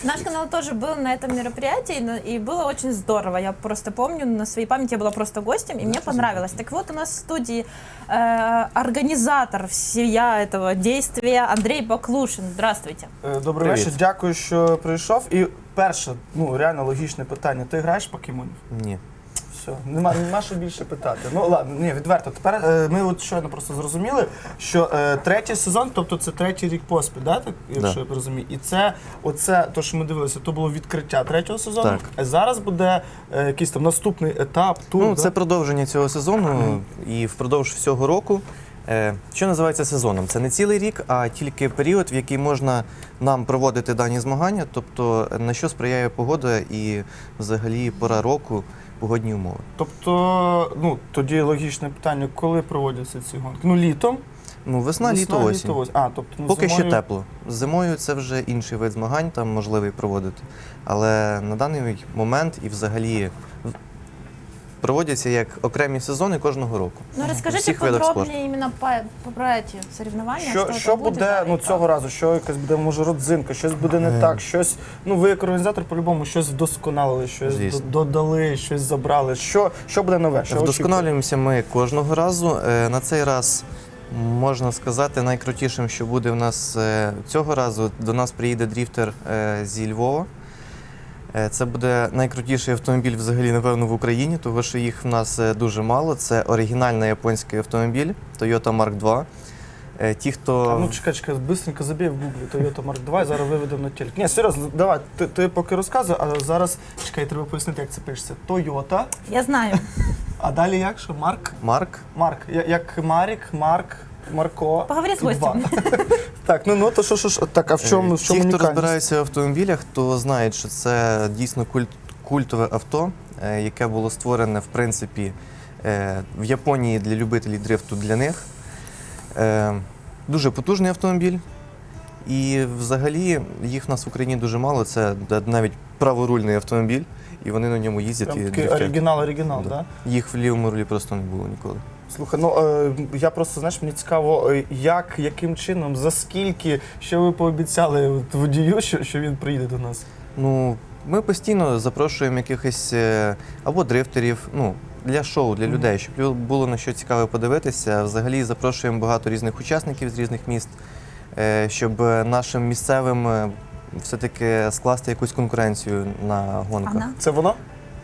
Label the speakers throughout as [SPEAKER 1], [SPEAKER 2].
[SPEAKER 1] Наш канал тоже был на этом мероприятии, и было очень здорово. Я просто помню, на своей памяти я была просто гостем, и мне понравилось. Так вот, у нас в студии организатор всея этого действия Андрей Баклушин. Здравствуйте.
[SPEAKER 2] Добрий вечір, дякую, що прийшов. І перше, реально логічне питання. Ти граєш в покемонів?
[SPEAKER 3] Ні.
[SPEAKER 2] Все, нема що більше питати. Ну ладно, ні, відверто. Тепер ми от щойно просто зрозуміли, що третій сезон, тобто це третій рік поспіль, да, так, якщо я розумію. І це, оце, то, що ми дивилися, то було відкриття третього сезону.
[SPEAKER 3] Так.
[SPEAKER 2] А зараз буде якийсь там наступний етап, тур.
[SPEAKER 3] Ну,
[SPEAKER 2] да?
[SPEAKER 3] це продовження цього сезону і впродовж всього року. Що називається сезоном? Це не цілий рік, а тільки період, в який можна нам проводити дані змагання, тобто на що сприяє погода і взагалі пора року, погодні умови.
[SPEAKER 2] Тобто, тоді логічне питання, коли проводяться ці гонки? Ну, літом?
[SPEAKER 3] Ну, весна, літо, осінь.
[SPEAKER 2] Тобто,
[SPEAKER 3] Поки
[SPEAKER 2] зимою...
[SPEAKER 3] що тепло. Зимою це вже інший вид змагань, там можливий проводити. Але на даний момент і взагалі проводяться як окремі сезони кожного року.
[SPEAKER 1] Ну, расскажите подробнее именно про эти соревнования.
[SPEAKER 2] Що буде цього разу? Що якась буде, може, родзинка, щось буде не так, щось, ви як організатор по-любому щось вдосконалили, щось додали, щось забрали. Що буде нове?
[SPEAKER 3] Вдосконалюємося ми кожного разу. На цей раз, можна сказати, найкрутішим, що буде в нас цього разу, до нас приїде дріфтер зі Львова. Це буде найкрутіший автомобіль взагалі, напевно, в Україні, тому що їх в нас дуже мало. Це оригінальний японський автомобіль Toyota Mark II. Ті, хто...
[SPEAKER 2] Чекай, быстренько забій в гуглі Toyota Mark II, зараз виведемо на телек. Ні, серйозно, давай, ти поки розказуй, а зараз, треба пояснити, як це пишеться. Toyota.
[SPEAKER 1] Я знаю.
[SPEAKER 2] А далі як? Що? Марк? Марк. Як Марік, Марк, Марко.
[SPEAKER 1] Поговори з гостем.
[SPEAKER 2] Так, то що, так, а в чому унікальність?
[SPEAKER 3] Ті, хто розбирається в автомобілях, то знають, що це дійсно культове авто, яке було створене, в принципі, в Японії для любителів дрифту для них. Дуже потужний автомобіль. І взагалі їх в нас в Україні дуже мало, це навіть праворульний автомобіль, і вони на ньому їздять.
[SPEAKER 2] Прям такий оригінал, так?
[SPEAKER 3] Да. Їх в лівому рулі просто не було ніколи.
[SPEAKER 2] Слухай, я просто, мені цікаво, яким чином, за скільки, що ви пообіцяли водію, що він приїде до нас?
[SPEAKER 3] Ми постійно запрошуємо якихось або дрифтерів, для шоу, для людей, щоб було на що цікаво подивитися. Взагалі запрошуємо багато різних учасників з різних міст, щоб нашим місцевим все-таки скласти якусь конкуренцію на гонках.
[SPEAKER 2] Це воно?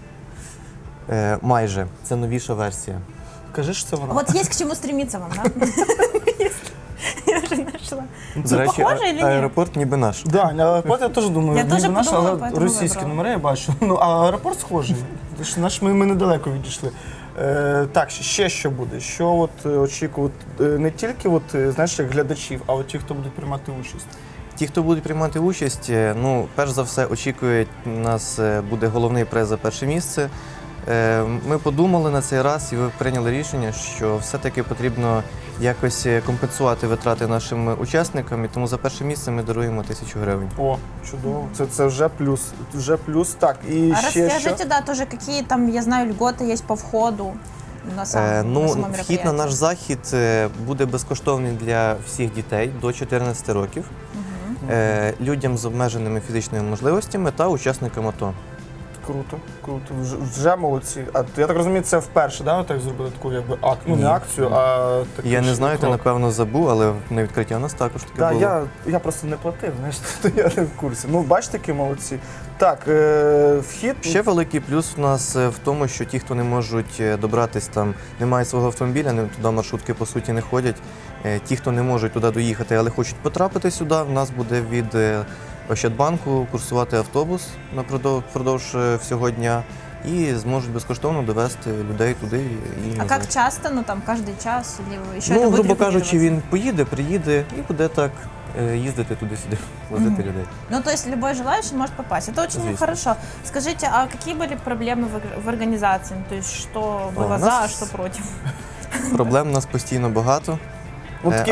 [SPEAKER 3] Майже. Це новіша версія.
[SPEAKER 2] Кажи, що це воно.
[SPEAKER 1] Вот есть к чему стремиться вам, да? Я вже знайшла.
[SPEAKER 3] До речі,
[SPEAKER 1] похоже или ні?
[SPEAKER 3] аеропорт ніби наш.
[SPEAKER 2] Так, аеропорт я теж думаю, ніби наш, але
[SPEAKER 1] поэтому
[SPEAKER 2] російські
[SPEAKER 1] вибрала.
[SPEAKER 2] номери я бачу. А аеропорт схожий. Ми недалеко відійшли. Так, ще що буде? Що очікувати не тільки як глядачів, а ті, хто будуть приймати участь?
[SPEAKER 3] Ті, хто будуть приймати участь, перш за все очікують, у нас буде головний приз за перше місце. Ми подумали на цей раз і прийняли рішення, що все-таки потрібно якось компенсувати витрати нашим учасникам, і тому за перше місце ми даруємо 1000 гривень.
[SPEAKER 2] О, чудово. Це вже плюс. Так, і ще
[SPEAKER 1] Расскажите, да, тоже какие там, я знаю, льготы есть по входу на само мероприятие.
[SPEAKER 3] Вхід на наш захід буде безкоштовний для всіх дітей до 14 років, людям з обмеженими фізичними можливостями та учасникам АТО.
[SPEAKER 2] Круто. Вже молодці. А я так розумію, це вперше, да, так зробили таку не акцію, а таку.
[SPEAKER 3] Я не знаю, ти напевно забув, але на відкритті у нас також таке було.
[SPEAKER 2] Я просто не платив, то я не в курсі. Бачите, які молодці. Так, вхід.
[SPEAKER 3] Ще великий плюс у нас в тому, що ті, хто не можуть добратись там, не мають свого автомобіля, туди маршрутки по суті не ходять. Ті, хто не можуть туди доїхати, але хочуть потрапити сюди, в нас буде від Ощадбанку курсувати автобус впродовж всього дня і зможуть безкоштовно довести людей туди і назад.
[SPEAKER 1] А як часто? Там кожен час?
[SPEAKER 3] Грубо кажучи, він поїде, приїде і буде так їздити туди-сюди, возити людей.
[SPEAKER 1] То есть любой желающий может попасть. Это очень хорошо. Скажите, а какие были проблемы в организации? То есть что было за, а что против?
[SPEAKER 3] Проблем у нас постійно багато.
[SPEAKER 2] Такі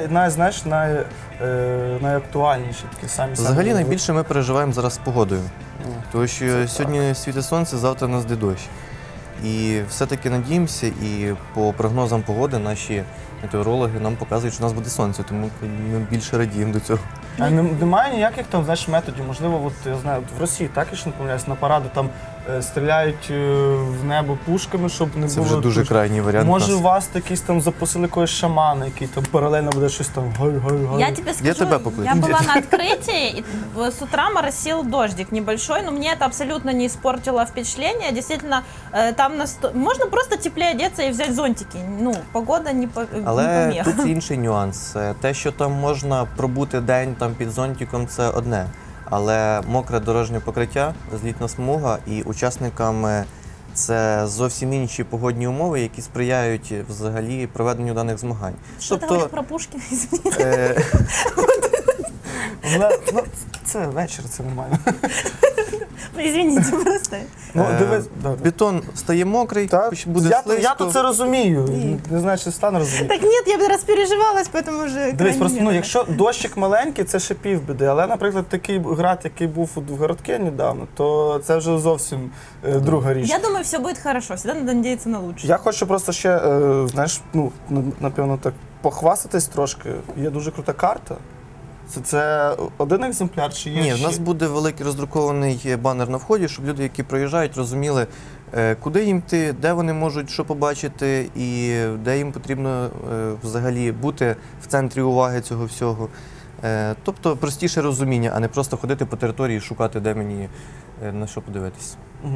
[SPEAKER 2] найактуальніші, такі самі.
[SPEAKER 3] Взагалі найбільше ми переживаємо зараз з погодою. Тому що сьогодні світить сонце, завтра у нас йде дощ. І все-таки надіємося, і по прогнозам погоди наші метеорологи нам показують, що у нас буде сонце, тому ми більше радіємо до цього.
[SPEAKER 2] А немає ніяких там, знаєш, методів, можливо, от, я знаю, от в Росії так, якщо не помиляюсь, на паради там стріляють в небо пушками, щоб не
[SPEAKER 3] Це
[SPEAKER 2] було...
[SPEAKER 3] вже дуже крайній варіант. у
[SPEAKER 2] Може,
[SPEAKER 3] нас.
[SPEAKER 2] у вас якийсь там запросили якогось шамана, який там паралельно буде щось там гай-гай-гай.
[SPEAKER 1] Я тебе скажу,
[SPEAKER 3] тебя покличу.
[SPEAKER 1] я была на открытии, и с утра моросил дождик небольшой, но мне это абсолютно не испортило впечатление. Действительно, там можно просто теплее одеться и взять зонтики. Ну, погода не
[SPEAKER 3] Але
[SPEAKER 1] помеха.
[SPEAKER 3] тут інший нюанс. Те, що там можна пробути день там під зонтиком, це одне. Але мокре дорожнє покриття, злітна смуга, і учасникам це зовсім інші погодні умови, які сприяють взагалі проведенню даних змагань.
[SPEAKER 1] Что ты говоришь про Пушкина, извините?
[SPEAKER 2] Ну, це вечір, це нормально.
[SPEAKER 1] Извините, просто.
[SPEAKER 2] Ну, дивись, да.
[SPEAKER 3] Бетон стає мокрий,
[SPEAKER 2] Так,
[SPEAKER 3] буде
[SPEAKER 2] я
[SPEAKER 3] слизько.
[SPEAKER 2] то це розумію. Не знаю, чи стане розуміти.
[SPEAKER 1] Так нет, я бы распереживалась, поэтому уже...
[SPEAKER 2] Дивись, просто, ну, якщо дощик маленький, це ще півбіди. Але, наприклад, такий град, який був в городке недавно, то це вже зовсім друга річ.
[SPEAKER 1] Я думаю, все будет хорошо. Всегда надо надеяться на лучшее.
[SPEAKER 2] Я хочу просто ще, знаєш, ну, напевно, так похвастатись трошки. Є дуже крута карта. Це один екземпляр чи є
[SPEAKER 3] Ні, в
[SPEAKER 2] ще?
[SPEAKER 3] нас буде великий роздрукований банер на вході, щоб люди, які проїжджають, розуміли, куди їм йти, де вони можуть що побачити і де їм потрібно взагалі бути в центрі уваги цього всього. Тобто простіше розуміння, а не просто ходити по території і шукати, де мені на що подивитись.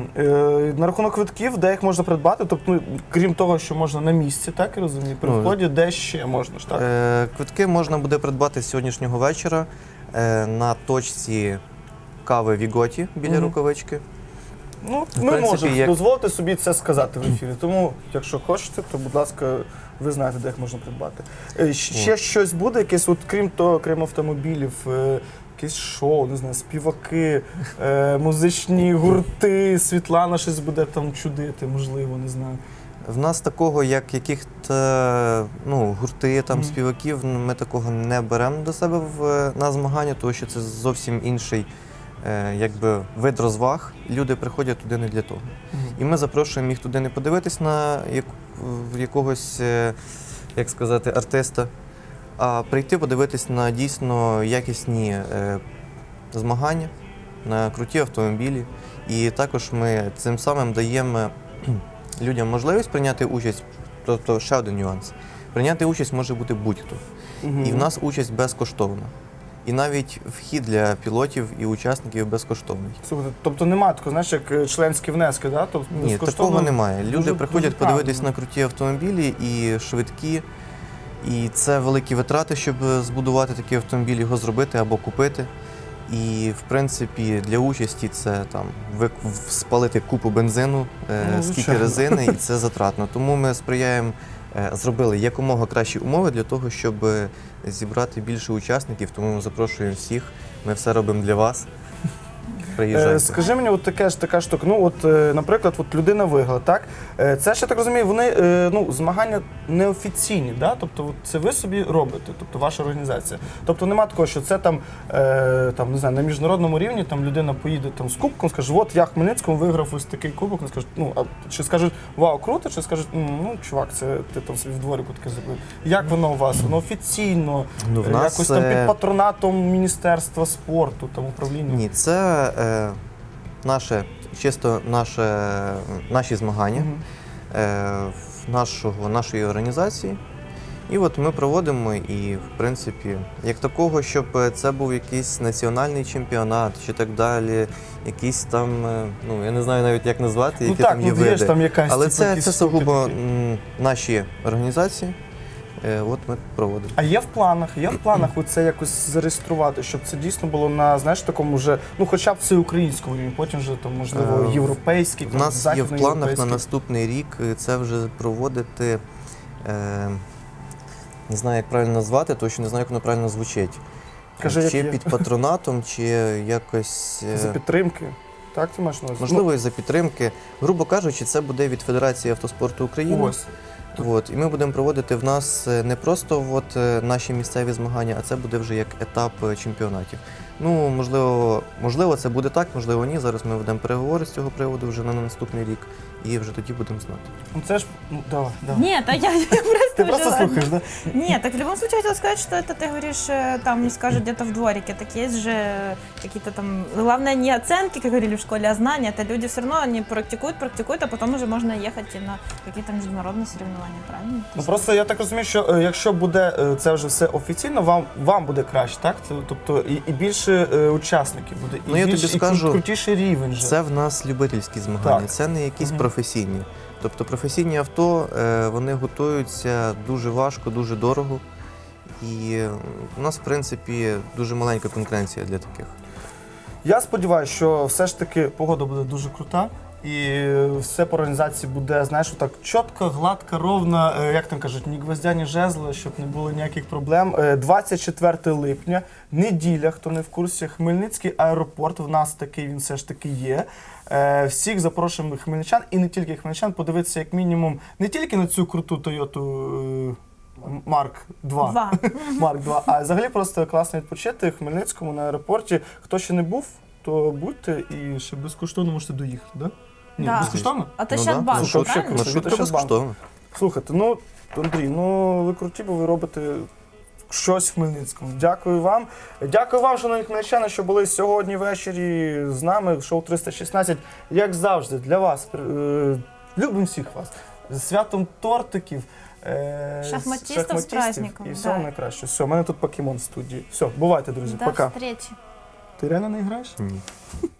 [SPEAKER 2] На рахунок квитків, де їх можна придбати, тобто, ну, крім того, що можна на місці, так я розумію, при
[SPEAKER 3] Ну,
[SPEAKER 2] вході, де ще можна ж так?
[SPEAKER 3] Квитки можна буде придбати з сьогоднішнього вечора на точці кави Віготі біля
[SPEAKER 2] Мгм.
[SPEAKER 3] рукавички.
[SPEAKER 2] Ну,
[SPEAKER 3] в
[SPEAKER 2] ми
[SPEAKER 3] принципі,
[SPEAKER 2] можемо
[SPEAKER 3] як-
[SPEAKER 2] дозволити собі це сказати в ефірі. Тому, якщо хочете, то, будь ласка, ви знаєте, де їх можна придбати. Ще щось буде, якесь, от, крім того, крім автомобілів, якесь шоу, не знаю, співаки, музичні гурти, Світлана щось буде там чудити, можливо, не знаю.
[SPEAKER 3] В нас такого, як яких-то гурти, там, співаків, ми такого не беремо до себе на змагання, тому що це зовсім інший якби, вид розваг. Люди приходять туди не для того. І ми запрошуємо їх туди не подивитись на якогось, як сказати, артиста, а прийти подивитись на дійсно якісні змагання, на круті автомобілі. І також ми цим самим даємо людям можливість прийняти участь, тобто ще один нюанс. Прийняти участь може бути будь-хто. І в нас участь безкоштовна. І навіть вхід для пілотів і учасників безкоштовний.
[SPEAKER 2] Слухайте, тобто немає такого, знаєш, як членські внески, да? Тобто,
[SPEAKER 3] Ні,
[SPEAKER 2] безкоштовно
[SPEAKER 3] такого немає. Люди
[SPEAKER 2] дуже-
[SPEAKER 3] приходять
[SPEAKER 2] дуже
[SPEAKER 3] подивитись
[SPEAKER 2] правильно.
[SPEAKER 3] на круті автомобілі і швидкі. І це великі витрати, щоб збудувати такий автомобіль, його зробити або купити. І, в принципі, для участі це там спалити купу бензину,
[SPEAKER 2] Ну,
[SPEAKER 3] скільки
[SPEAKER 2] звичайно.
[SPEAKER 3] резини, і це затратно. Тому ми сприяємо, зробили якомога кращі умови для того, щоб зібрати більше учасників. Тому ми запрошуємо всіх. Ми все робимо для вас. Приїжджайте.
[SPEAKER 2] Скажи мені, от така штука. Ну, от, наприклад, от людина виграла, так? Це ж я так розумію, вони змагання неофіційні, да? Тобто от це ви собі робите, тобто ваша організація. Тобто немає такого, що це там, не знаю, на міжнародному рівні там людина поїде там з кубком, скаже, от я Хмельницькому виграв ось такий кубок, вони скажуть, чи скажуть, вау, круто, чи скажуть, чувак, це ти там собі в дворику таке зробив. Як воно у вас? Воно офіційно,
[SPEAKER 3] Ну, в нас,
[SPEAKER 2] якось там під патронатом Міністерства спорту, там управління?
[SPEAKER 3] Ні, це наші змагання нашої організації. І от ми проводимо і, в принципі, як такого, щоб це був якийсь національний чемпіонат чи так далі, якісь там, я не знаю навіть як назвати, які там є
[SPEAKER 2] є
[SPEAKER 3] види.
[SPEAKER 2] ж там якась,
[SPEAKER 3] Але
[SPEAKER 2] типу,
[SPEAKER 3] це
[SPEAKER 2] якісь штуки
[SPEAKER 3] сугубо
[SPEAKER 2] такі.
[SPEAKER 3] наші організації. От ми проводимо.
[SPEAKER 2] А є в планах оце якось зареєструвати, щоб це дійсно було на, знаєш, такому вже, хоча б всеукраїнському рівні, потім вже там, можливо, європейський,
[SPEAKER 3] У нас є в планах на
[SPEAKER 2] західноєвропейський.
[SPEAKER 3] наступний рік це вже проводити, не знаю, як правильно назвати, тому що не знаю, як воно правильно звучить.
[SPEAKER 2] Кажи, як
[SPEAKER 3] Чи
[SPEAKER 2] є.
[SPEAKER 3] під патронатом, чи якось,
[SPEAKER 2] За підтримки. Так ти маєш на увазі?
[SPEAKER 3] можливо, і за підтримки. Грубо кажучи, це буде від Федерації автоспорту України.
[SPEAKER 2] Ось.
[SPEAKER 3] От, і ми будемо проводити в нас не просто наші місцеві змагання, а це буде вже як етап чемпіонатів. Ну, можливо, це буде так, можливо, ні. Зараз ми ведемо переговори з цього приводу вже на наступний рік, і вже тоді будемо знати.
[SPEAKER 2] Ну це ж, давай.
[SPEAKER 1] Нет, а я просто
[SPEAKER 2] Ти просто
[SPEAKER 1] уже-
[SPEAKER 2] слухаєш, да?
[SPEAKER 1] Нет, так в любом случае хотела сказать, что это ты говоришь, там скажут где-то в дворике, так есть же какие-то там, главное не оценки, как говорили в школе, а знания, это люди все равно, они практикуют, а потом уже можно ехать и на какие-то международные соревнования, правильно?
[SPEAKER 2] Ну просто я так розумію, що якщо буде це вже все офіційно, вам буде краще, так? Тобто і більше учасників буде, і
[SPEAKER 3] Ну, я
[SPEAKER 2] більш,
[SPEAKER 3] тобі
[SPEAKER 2] і
[SPEAKER 3] скажу,
[SPEAKER 2] крутіший рівень же.
[SPEAKER 3] Це в нас любительські змагання,
[SPEAKER 2] Так.
[SPEAKER 3] це не якісь професійні. Тобто професійні авто, вони готуються дуже важко, дуже дорого. І у нас, в принципі, дуже маленька конкуренція для таких.
[SPEAKER 2] Я сподіваюся, що все ж таки погода буде дуже крута. І все по організації буде, знаєш, так чітко, гладко, ровно, як там кажуть, ні гвоздя, ні жезла, щоб не було ніяких проблем. 24 липня, неділя, хто не в курсі, Хмельницький аеропорт, в нас такий, він все ж таки є. Всіх запрошуємо хмельничан, і не тільки хмельничан, подивитися як мінімум не тільки на цю круту Toyota Марк 2, Марк 2, а взагалі просто класно відпочити в Хмельницькому на аеропорті. Хто ще не був, то будьте і ще безкоштовно можете доїхати, да? Ні,
[SPEAKER 1] Да.
[SPEAKER 2] безкоштовно?
[SPEAKER 1] А то
[SPEAKER 3] Ну
[SPEAKER 1] сейчас
[SPEAKER 3] да.
[SPEAKER 1] банк,
[SPEAKER 2] Слушай, вообще
[SPEAKER 1] правильно?
[SPEAKER 2] круто.
[SPEAKER 3] Маршрутка
[SPEAKER 2] ще
[SPEAKER 3] безкоштовна.
[SPEAKER 2] Слухайте, ну, Андрій, ну ви круті, бо ви робите щось в Хмельницькому. Дякую вам. Дякую вам, шановні хмельничани, що були сьогодні ввечері з нами. Шоу 316, як завжди, для вас. Любимо всіх вас. З святом тортиків.
[SPEAKER 1] Шахматистів з праздником,
[SPEAKER 2] І всього
[SPEAKER 1] да.
[SPEAKER 2] найкраще. Все, у мене тут покемон в студії. Все, бувайте, друзі.
[SPEAKER 1] До
[SPEAKER 2] Пока.
[SPEAKER 1] встречи.
[SPEAKER 2] Ти реально не граєш?
[SPEAKER 3] Ні.